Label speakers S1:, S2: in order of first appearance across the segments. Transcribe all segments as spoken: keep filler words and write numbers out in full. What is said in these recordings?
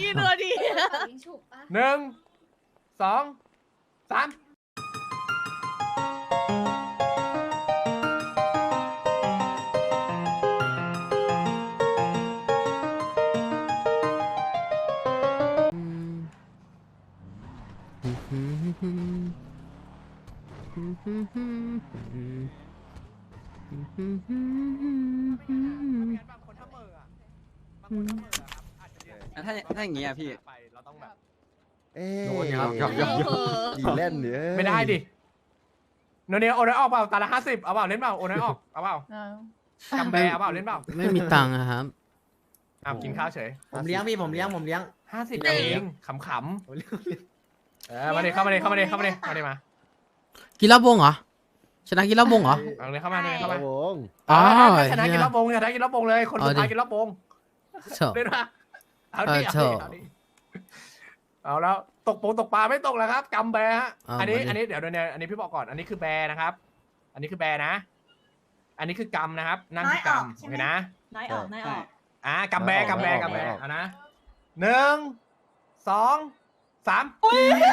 S1: กินตัวดี
S2: หนึ่งสองสาม
S3: ถ้าถ้าอย่างงี้อะพี่
S2: เราต้องแบบ
S4: เอ๊ะ
S2: โดนครับครับครับ
S4: อีเล่นเนี่ย
S2: ไม่ได้ดิโนเนียโอนได้ออกเปล่าตาละห้าสิบเอาเปล่าเล่นเปล่าโอนได้ออกเอาเปล่ากำแบเอาเปล่าเล่นเปล่า
S5: ไม่มีตังค์อะครับ
S2: อ้าวกินข้าวเฉย
S6: ผมเลี้ยงพี่ผมเลี้ยงผมเลี้ยง
S2: ห้าสิบเองขำขำเออมาเลยเข้ามาเลยเข้ามาเลยเข้ามาเลยมาเลยมา
S5: กินเหล้าวงเหรอชนะกินเหล้าวงเหรอ
S2: เอาเลยเข้ามาเลยเข้ามา
S4: วง
S5: อ๋อ
S2: ชนะกินเหล้าวงชนะกินเหล้าวงเลยคนสุดท้ายกินเหล้าวง
S5: โถ
S2: เล่นมาเอาดิ
S5: เออ
S2: เอา
S5: โถ
S2: ดิเอาดิเอาแล้วตกปงตกปลาไม่ตกแล้วครับกำแบฮะ
S5: เอา
S2: อันนี้
S5: มาดิ
S2: อันนี้เดี๋ยวเนี่ยอันนี้พี่บอกก่อนอันนี้คือแบนะครับ อันนี้คือแบนะ อันนี้คือกำนะครับ นั่งคือกำโอเคนะ
S1: น้อยออกน้อยออก
S2: อ่ากำแบกำแบกำแบเอานะหนึ่งสองสาม
S4: อย่า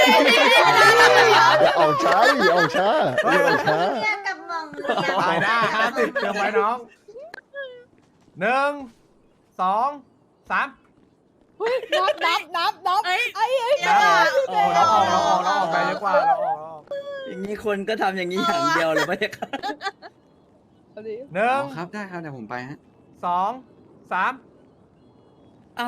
S4: ออกช้าอย่าออกช้าอย่าออกช้า
S7: กับมองเรือ
S2: ตายได้ห้าสิบเติมไว้น้องหนึ่งสองสาม
S1: นับนับนับนับไอ้ไอ้ไอ้
S2: โอ้เราออกเราออกเราออกไปเยอะกว่าเราออกเราออก
S3: อย่างนี้คนก็ทำอย่างนี้อย่างเดียวเลยไม่ใช่ครับ
S2: หนึ่ง
S3: ครับได้ครับเดี๋ยวผมไปฮะ
S2: สองสาม
S3: เอา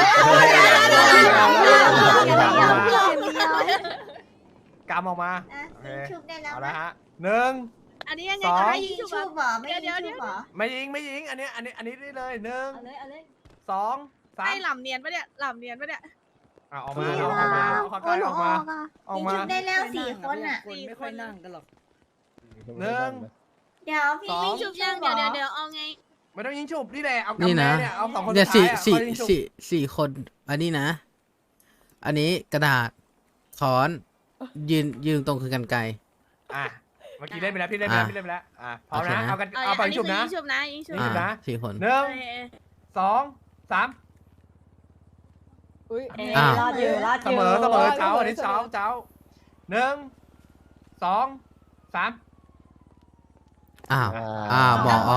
S2: กำออกมาโอเค
S7: ชุบได้แล้ว
S2: เอาละฮะหนึ่ง
S1: อันนี้ยังไง
S2: สอง
S1: ก็ให้
S7: ยิ
S1: ยิ
S7: ง
S1: ง
S7: ชุ
S1: ชุ
S7: บบ เหรอไม่ยิงชุบเหรอ
S2: ไม่ยิงไม่ยิงอันนี้อันนี้อันนี้ได้เลยหนึ่ง
S1: เอาเลยเอาเลย
S2: สองสาม
S1: ไอ้หล่ำเนียนปะเนี่ยหล่ำเนียนปะเนี่ย
S2: อ่ะออกมาเอาออกมาเอาเข้าใกล้ออกมาออก
S7: ยิง
S2: มา
S7: ชุบได้แล้วสี่คนอ่ะ
S3: คนไม่ค่อยนั่งกันหรอก
S2: หนึ่ง
S7: เดี๋ยวพี่
S2: สอง
S7: ยิง
S1: ชุ
S7: ชุ
S1: บบ ยั
S7: ยัง ง
S1: เดี๋ยวเดี๋ยวเดี๋ยวเอาไง
S2: ไม่ต้องยิงฉุบนี่แหละเอา
S5: นี่
S2: กำแพ
S5: นะ
S2: งเนี่ยเอาสองคน
S5: เนี่ย
S2: สุด
S5: สี่
S2: ท้ายอ่ะ
S5: สี่
S2: ค่อยยิงฉุบ
S5: สี่สี่คน อันนี้นะ อันนี้กระดาษค้อนยืนยืนตรงคือกันไกร
S2: อ่ะเมื่อกี้เล่นไปแล้วพี่เล่นไปแล้ว
S5: อ่ะ
S2: พี่เล่นไปแล้วอ่ะพร้อม
S5: โอเค
S2: นะ
S5: นะ
S2: เอากัน
S1: เอา
S2: เอาไป
S1: อันนี้
S2: ฉุบ
S1: คือ
S2: นะ
S1: ยิงชุบนะยิงชุบ
S2: ยิงฉุบนะ
S5: อ่าสี่คน
S2: หนึ่ง
S1: เออ
S2: สองสาม
S1: เออ
S5: อ้าว
S1: รอดอยู่รอดอ
S2: เส
S1: ยู่
S2: มอเสมอเช้าอันนี้เช้าเช้าหนึ่งสองสาม
S5: อ้าวอ้าวบอกอ๋อ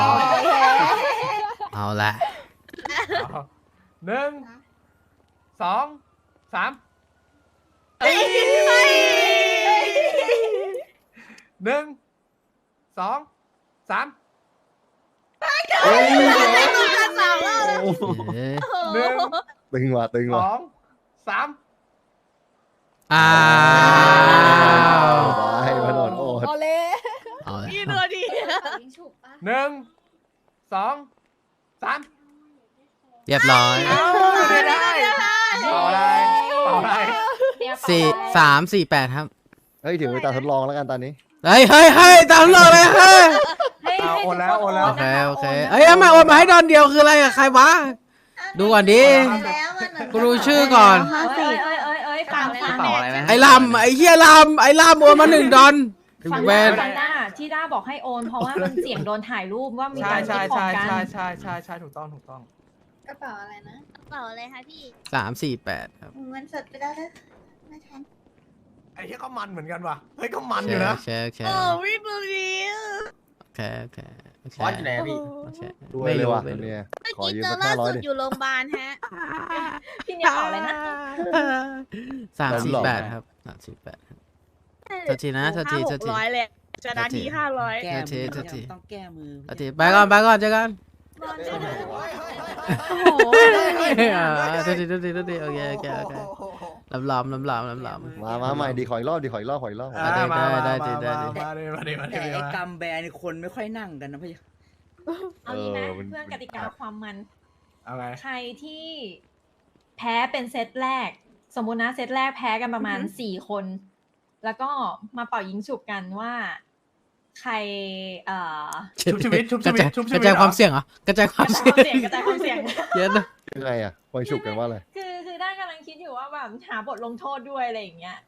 S5: เอาละ
S2: เอาหนึ่งสองสามหนึ่งสองสาม
S5: เอ้ย
S2: หนึ่ง
S4: ตึงว่ะตึง
S2: ส
S4: ว่ะ
S2: องสาม
S5: อ้าว
S4: ไปมาโดนโอด
S1: เอาเลย
S5: เอาละ
S1: กินตัวดี
S7: ยิงชุบปะ
S2: หนึ่งสองสาม
S5: เรียบร้อย
S2: เอาไม่ได้เป่าอะไรเป่าอะไร
S5: สี่สามสี่แปดครับ
S4: เฮ้ยถึงเวลาทดลองแล้วกันตอนนี้
S5: เฮ้ยเฮ้ยเฮ้ยตามหลอกเลยเฮ้ย
S2: เอาโอนแล้วโอนแล้ว
S5: โอเคโอเคเอ้ยเอามาโอนมาให้ดอนเดียวคืออะไรอะใครวะ ดูก่อนดิ
S7: แล้วมัน
S5: กูดูชื่อก่อน
S1: เอ้ยเอ้ยเอ้ยเอ้ยฟังฟัง
S3: เป่าอะไรไหม
S5: ไอ้ลำไอ้เฮียลำไอ้ลำโอนมาหนึ่งดอน
S8: ฟัง
S5: แว
S8: ด้าน ด้าที่ด้าบอกให้โอนเพราะว่ามันเสี่ยงโดนถ่ายรูปว่ามี
S2: ใช่
S8: การ
S2: ใช่
S8: คิดขอ
S2: ใช่
S8: งกัน
S2: ใช่ใช่ใช่ใช่ถูกต้องถูกต้อง
S7: กระเป๋าอะไรนะ
S1: เปล่าอะไรคะพี่
S5: สามสี่แปดครับ
S7: เงินสดไปแล้วนะไม่ทัน
S2: ไอ้เหี้ยก็มันเหมือนกันว่ะเฮ้ยก็มัน
S5: โอ
S2: อยู่
S5: เค
S2: นะ
S5: โอเคโอเค
S1: โอ้วิบลี
S5: โอเคโอเคโอเค
S6: บอสอยู่ไหนอะพี่
S5: โอเค
S4: ด้วย
S5: ไม่
S4: เลย
S5: รู้
S4: ว่ะ
S5: ไม่รู้
S4: เนี่ย
S1: เมื่อ
S4: ขอ
S1: กี้
S4: ยืม
S1: เจอ
S4: สัก
S1: ล่า
S4: ห้าร้อย
S1: สุด
S4: ดิ
S1: อยู่โรงพยาบาลฮะ
S8: พี่เนี่ยเป่าอะไรนะ
S5: สามสี่แปดครับสามสี่แปดครับ โทษทีนะโทษทีโทษที
S1: ห้าหกร้อยเลยจะนาทีห้าร้อย
S3: แก้มื
S5: โทษที
S3: อ
S5: โทษที
S3: ต้องแก้มือ
S5: โอเคไปก่อนไปก่อนเจอกัน
S1: โอ้โห
S5: อ่าโทษทีโทษทีโทษทีโอเคโอเคโอเคลำลำลำลำลำลำ
S4: มามาใหม่ดีขออีกรอบดีขออีกรอบขออีกรอบ
S5: อ่ะ ได้ได้ได้ได้ได้
S2: มาดิมาดิมาดิ
S3: แต่ไอ้
S2: มาก
S3: ำแบนี่คนไม่ค่อยนั่งกันนะพี่
S8: เอางี้นะเพื่อนกติกาความมัน
S2: เอาไง
S8: ใครที่แพ้เป็นเซตแรก สมมุตินะเซตแรกแพ้กันประมาณสี่คน แล้วก็มาเป่ายิงฉุบกันว่า ใครเอ่อ
S2: ชุบชีวิตชุบชีวิตชุบชี
S5: ก
S2: วิต
S5: ระจายความเสี่ยงเหรอกระจายความ
S8: กระจาย
S5: เสี่ยง
S8: ความเสี่ยงกระจายความเสี่ยง
S5: เยอะนะ
S4: ยังไงอ่ะคอยฉุกกันว่าอะไร
S8: คือคือด้านกำลังคิดอยู่ว่าแบบหาบทลงโทษด้วยอะไรอย่างเงี้ย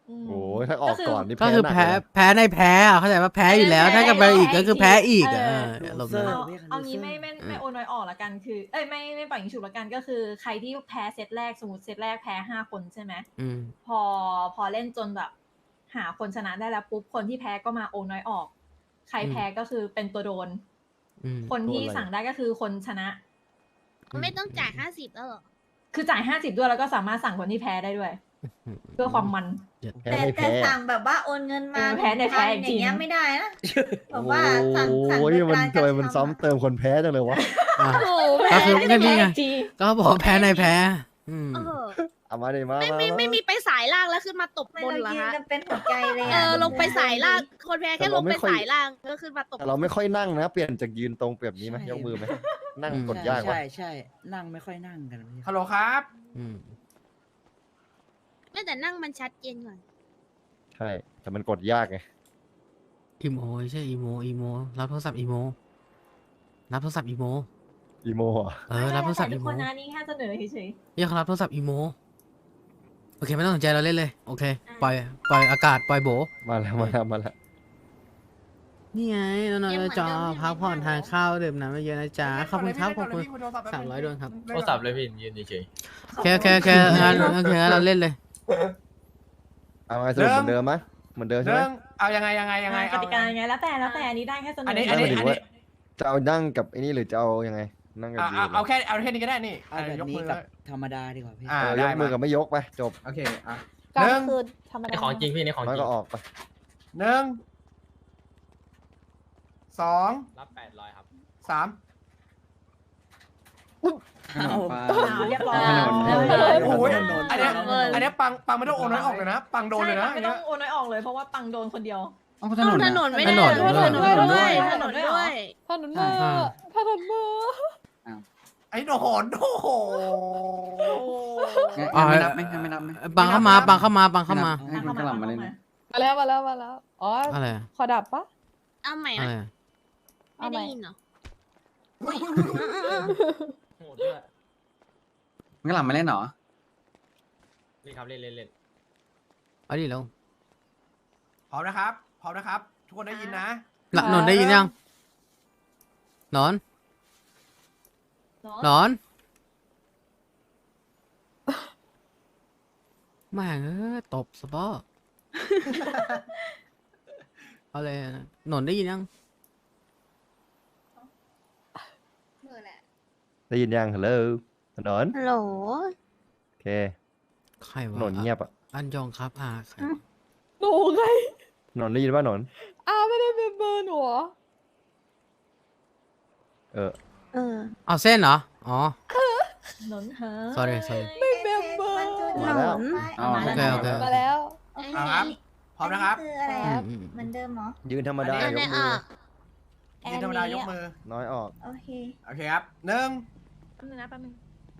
S8: อืม
S4: โอ้ยถ้าออกก่อนนี่
S5: ก็คือ
S4: หนั
S5: แพ้
S4: เลยนะ
S5: แพ้ในแพ้อะเข้าใจว่าแพ้อยู่แล้ว ถ้ากลับไปอีกก็คือแพ้อีกอะ
S8: เออ
S5: เอออารมณ์
S3: เซอ
S5: นั้น
S3: ร์
S8: เอา
S3: เรียกกัน
S8: เอางี้
S3: loser
S8: ไม่ไม่
S5: อืม
S8: ไม่โอนน้อยออกละกันคือเอ้ยไม่ไม่ปล่อยยิงฉุบละกันก็คือใครที่แพ้เซตแรกสมมติเซตแรกแพ้ห้าคนใช่ไหม
S5: อืม
S8: พอพอเล่นจนแบบ หาคนชนะได้แล้วปุ๊บคนที่แพ้ก็มาโอนน้อยออก ใคร
S5: อืม
S8: แพ้ก็คือเป็นตัวโดน
S5: อืม
S8: คนที่
S4: โดนอะไร
S8: สั่งได้ก็คือคนชนะ
S1: ไม่ต้องจ่ายห้าสิบแล้วเหรอ
S8: คือจ่ายห้าสิบด้วยแล้วก็สามารถสั่งคนที่แพ้ได้ด้วย เพื่อความมัน
S4: แพ้
S7: แต่
S4: ไม่
S7: แต่
S4: แพ้
S7: สั่งแบบว่าโอนเงินมา
S8: เออแพ้ในแพ้
S7: พันอย่างเงี้ย
S8: จริง
S7: ไม่ได้นะแบบว่าสั่งสั่ง
S4: โอ้ย
S7: โดย
S4: มัน
S7: การก
S4: ทำ
S7: ระ
S4: ไมมัน
S7: ทำ
S4: ซ้ำเติมคนแพ้จังเลยวะ
S5: อ่ะ
S1: โอ้
S5: ก็คือก็นี่ไง
S8: จริง
S5: ก็บอกว่าแพ้ในแพ้ อืม
S1: เออ
S4: เอามาดิมา
S1: ไม่
S4: มา
S1: ไม่
S4: มา
S1: ไม่มีไปสายล่างแล้วขึ้นมาตบ
S7: ไม่
S1: บน
S7: เรา
S1: เหรอ
S7: ยืน
S1: ฮะ
S7: กันเป็นหัวใจเลย
S1: เอ
S7: อะ
S1: อลงไปสายล่าง คนแพ้แค่ลงไปสายล่างก็ขึ้นมาตบ
S4: แต่เราไม่ค่อยนั่งนะ เปลี่ยนจากยืนตรงเปรียบนี้ไหม
S3: ใช่
S4: ยกมือไหมนั่ง
S5: อืม
S4: กดยากว่ะ
S3: ใช่ใช่นั่งไม่ค่อยนั่งกันพี่
S2: ฮัลโหลครับ
S5: อืม
S1: ไม่แต่นั่งมันชัดเจนกว่า
S4: ใช่ แต่มันกดยากไง
S5: อีโมไม่ใช่อีโมอีโมรับโทรศัพท์อีโมรับโทรศัพท์อีโม
S4: อีโมอ่ะ
S5: เออรับโทรศัพท์
S8: ทุ
S5: อี
S8: ก
S5: โม
S8: คนนะนี่แค่เสนอเฉย
S5: เรียกเขารับโทรศัพท์อีโมโอเคไม่ต้องสนใจเราเล่นเลยโอเคปล่อยปล่อยอากาศปล่อยโบ
S4: มาแล้วมาแล้วมาแล้ว
S5: นี่ไงนอนๆจอพักผ่อนทานข้าวดื่มน้ำเยอะๆนะจ๊ะขอบคุณครับขอบคุณ สามร้อยดวงครับ
S6: โทรศัพท์เลยพี่ยืนเฉย
S5: โอเคโอเคโอเคงั้นโอเคงั้นเราเล่นเลย
S4: เอาไงสรุปเหมือนเดิมไหมเหมือนเดิมใช่ไหม
S2: เรื่องเอายังไงยังไง
S8: ๆ
S2: ยังไง
S8: กติกายังไงแล้วแต่แล้วแต่อันนี้ได้แค่เสนอ
S2: อั
S8: อั
S2: นนี้
S4: ไม่
S2: อัน
S4: ห
S2: นี้
S4: มายถึงว่าจะเอานั่งกับไอ้นี่หรือจะเอายังไง นั่งกับ
S2: อ่ะ
S4: ยื
S2: เอา
S4: น
S2: เอาแค่เอาแค่นี้ก็ได้นี่
S3: เอาแบบ
S2: ยก
S3: นี้
S2: มือ
S3: กับธรรมดาดีกว่าพี่
S2: อ่า
S4: เออ
S2: ได้
S4: ยกมือกับ
S2: มา
S4: ไม่ยกไปจบ
S2: โอเคอ่ะ
S1: ก็
S2: หนึ่ง
S1: คือธรรม
S6: ๆใน
S1: ดา
S6: ของจริงพี่ในของ
S4: น้อย
S6: จริ
S4: ก็
S6: ง
S4: ออกไป
S2: หนึ่งสอง
S6: รับแปดร้อยครับ
S2: สาม
S3: เอา
S8: อ้าวเรียบร้อย
S3: ถนน
S8: เรียบร้อย
S2: โอ้ย
S3: ถนน
S2: อันเนี้ย
S3: ถนน
S2: อันเนี้ยปังปังไม่ต้องโอนน้อยออกเลยนะ ปังโดนเลยนะ
S8: ใช่
S2: อัน
S8: ไม่
S2: เนี้
S8: ต้อย งโอนน้อยออกเลยเพราะว่าปังโดนคนเดียว
S1: ต้องถนนไม่ได้
S5: ถนน
S1: ถนน
S5: ถนน
S1: ด้วย
S8: ถ
S1: ถ
S8: น
S1: น
S8: น
S1: น
S8: ด้วย
S1: ด้วย
S7: ถนนมือถนนมือ
S2: ไอ้โดนโอ้โห
S5: อ่า
S3: ไม่นับไหมไม่นับไหม
S5: บังเข้ามาบังเข้ามาบังเข้ามา
S3: ให้คุณกระหล่ำมาเล่น
S7: มาแล้วมาแล้วมาแล้วอ๋อ
S5: อะไรอะ
S7: ขอดับปะ
S1: เอาใหม่
S5: อะไร
S1: นะ
S5: อะ
S1: ไม่ได้ยินเหรอ
S6: โหดด้วย
S3: กระหล่ำมาเล่นเหรอ
S6: เล่นครับเล่นเล่นเล่น
S5: เอาดิแล้ว
S2: พร้อมนะครับ พร้อมนะครับ ทุกคนได้ยินนะ
S5: หลับนอนได้ยินยังนอนนอนแม่งเออตบสปอเอาเลยนะนอนได้ยินยัง
S7: มือแหละ
S4: ได้ยินยังฮัลโหลถนน
S1: ฮัลโหล
S4: โอเค
S5: ใคร
S4: ถ
S5: วะ
S4: นนเงียบอ่ะ
S5: อันยองครับอ่าใครวะ
S7: หนูไง
S4: ถนนได้ยินว่าถนน
S7: อ้าไม่ได้เป็นเบอร์หนูเหรอ
S4: เออ
S1: เออ
S5: เอาเส้นเหรออ๋อ
S8: หนนหา
S5: sorry sorry
S7: ไม่เป็นเบอร์
S4: มาแล้ว
S3: เอา
S5: โอเคโอเค
S7: มาแล้ว
S2: เอาครับ พร้อมนะครับ
S7: คืออะไร
S5: อื
S7: ครั
S5: ม
S7: บ
S5: อืม
S7: เหมือนเดิมเหรอ
S4: ยืนธรรมดา
S2: อัน
S4: ย
S2: นี้
S4: กมือ
S2: ยืนธรรมดายกมือ
S4: น้อยออก
S7: โอเค
S2: โอเคครับหนึ่ง
S8: แป๊บนึงนะแป๊บนึง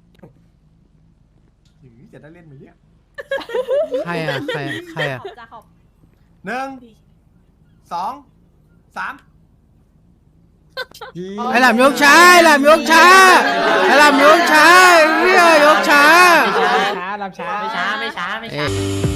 S2: หือจะได้เล่นไหมเนี่ย
S5: ใครอ่ะใครใครอ่ะ
S8: ขอบจ้าขอบ
S2: หนึ่งสองสาม
S5: ไอ้หลามยกช้าไอ้หลามยกช้าไอ้หลามยกช้าเฮียยกช้า
S6: ช้ารับช้าไม่ช้าไม่ช้าไม่ช้า
S5: เอ๊ะ